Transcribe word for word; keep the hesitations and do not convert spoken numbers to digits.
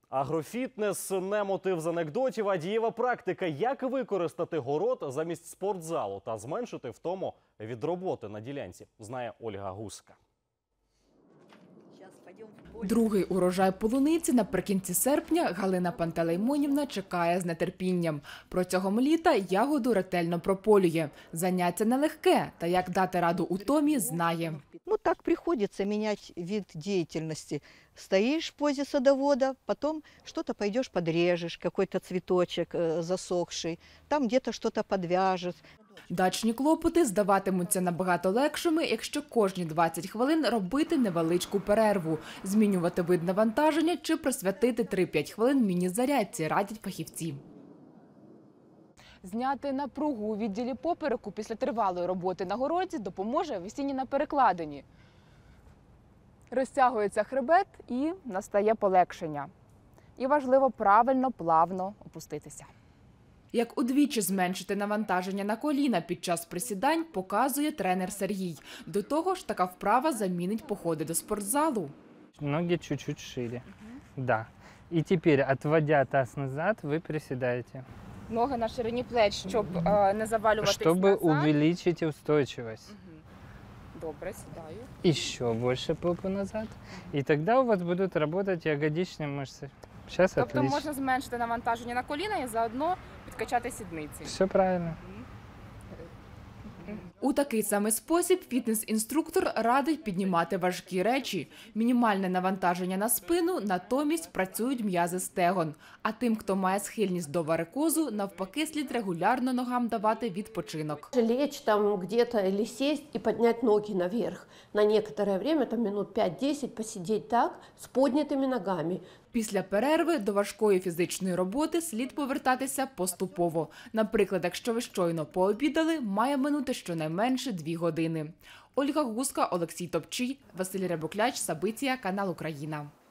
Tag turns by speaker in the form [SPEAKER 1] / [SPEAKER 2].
[SPEAKER 1] Агрофітнес – не мотив з анекдотів, а дієва практика. Як використати город замість спортзалу та зменшити втому від роботи на ділянці, знає Ольга Гуска.
[SPEAKER 2] Другий урожай полуниці наприкінці серпня Галина Пантелеймонівна чекає з нетерпінням. Протягом літа ягоду ретельно прополює. Заняття нелегке, та як дати раду утомі, знає.
[SPEAKER 3] Ну так приходится менять вид деятельности. Стоишь в позе садовода, потом что-то пойдешь подрежешь, какой-то цветочек э, засохший, там где-то что-то подвяжешь.
[SPEAKER 2] Дачні клопоти здаватимуться набагато легшими, якщо кожні двадцять хвилин робити невеличку перерву, змінювати вид навантаження чи присвятити три-п'ять хвилин міні-зарядці, радять фахівці. Зняти напругу у відділі попереку після тривалої роботи на городі допоможе висіння на перекладині. Розтягується хребет і настає полегшення. І важливо правильно, плавно опуститися. Як удвічі зменшити навантаження на коліна під час присідань, показує тренер Сергій. До того ж, така вправа замінить походи до спортзалу.
[SPEAKER 4] Ноги чуть-чуть шире. Да. И теперь, отводя таз назад, вы приседаете.
[SPEAKER 2] Ноги на ширині плеч, щоб е, не завалюватись назад.
[SPEAKER 4] Чтобы увеличить устойчивость.
[SPEAKER 2] Добре, сідаю.
[SPEAKER 4] Еще больше попу назад. И тогда у вас будут работать ягодичные мышцы. Сейчас
[SPEAKER 2] Тобто
[SPEAKER 4] отлично.
[SPEAKER 2] можна зменшити навантаження на коліна і заодно підкачати сідниці.
[SPEAKER 4] Все правильно.
[SPEAKER 2] У такий самий спосіб фітнес-інструктор радить піднімати важкі речі. Мінімальне навантаження на спину, натомість працюють м'язи стегон. А тим, хто має схильність до варикозу, навпаки, слід регулярно ногам давати відпочинок.
[SPEAKER 5] Лечь там где-то или сесть и поднять ноги наверх. На некоторое время, там минут пять-десять, посидеть так, с поднятыми ногами.
[SPEAKER 2] Після перерви до важкої фізичної роботи слід повертатися поступово. Наприклад, якщо ви щойно пообідали, має минути щонайменше дві години. Ольга Гуска, Олексій Топчій, Василь Рябокляч, Сабиція, канал Україна.